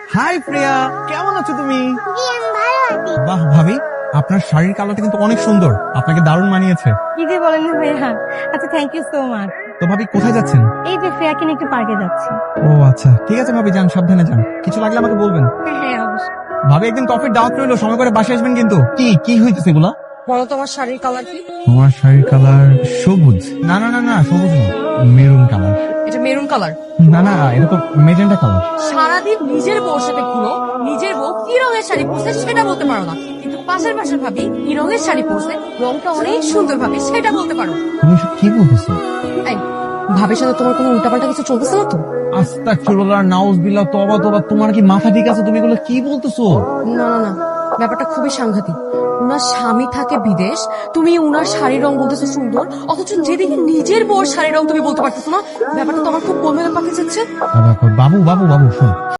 High প্রিয়া, কেমন আছো তুমি? জি আমি ভালো আছি। বাহ ভাবি, আপনার শাড়ির কালারটা কিন্তু অনেক সুন্দর, আপনাকে দারুণ মানিয়েছে। কি যে বলেন না ভাইয়া। আচ্ছা, থ্যাংক ইউ সো মাচ। তো ভাবি কোথায় যাচ্ছেন? এই যে ফ্রেয়াকে নিয়ে একটু পার্কে যাচ্ছি। ও আচ্ছা, ঠিক আছে ভাবি, যান, সাবধানে যান, কিছু লাগলে আমাকে বলবেন। হ্যাঁ অবশ্যই। ভাবি একদিন কফির দাওয়াত রইলো, সময় করে বাসায় আসবেন কিন্তু। কি কি হইতেছে এগুলা? বলো তোমার শাড়ির কালার কি? তোমার শাড়ির কালার সবুজ। না না না না, সবুজ না, মেরুন কালার। এটা মেরুন কালার। না না, এটা তো মেজেন্টা কালার। সারাদিন নিজের বউর সাথে ঘুরো, নিজের বউ কি রঙের শাড়ি পরছে সেটা বলতে পারো না, কিন্তু পাশের পাশের ভাবি কি রঙের শাড়ি পরছে, রংটা অনেক সুন্দর ভাবি সেটা বলতে পারো। তুমি এসব কি বলতেছো? এই, ভাবির সাথে তোমার কোনো উল্টাপাল্টা কিছু চলতেছে না তো? আস্তাগফিরুল্লাহ, নাউজুবিল্লাহ, তওবা তওবা, তোমার কি মাথা ঠিক আছে? তুমি এগুলো কি বলতেছো? না না না, ব্যাপারটা খুবই সাংঘাতিক। উনার স্বামী থাকে বিদেশ, তুমি উনার শাড়ির রং বলতেছো সুন্দর, অথচ যেদিকে নিজের বউর শাড়ির রং তুমি বলতে পারতেছো না। ব্যাপারটা তো আমার খুব গোলমেলে পাকিয়ে যাচ্ছে। বাবু বাবু বাবু, শোন,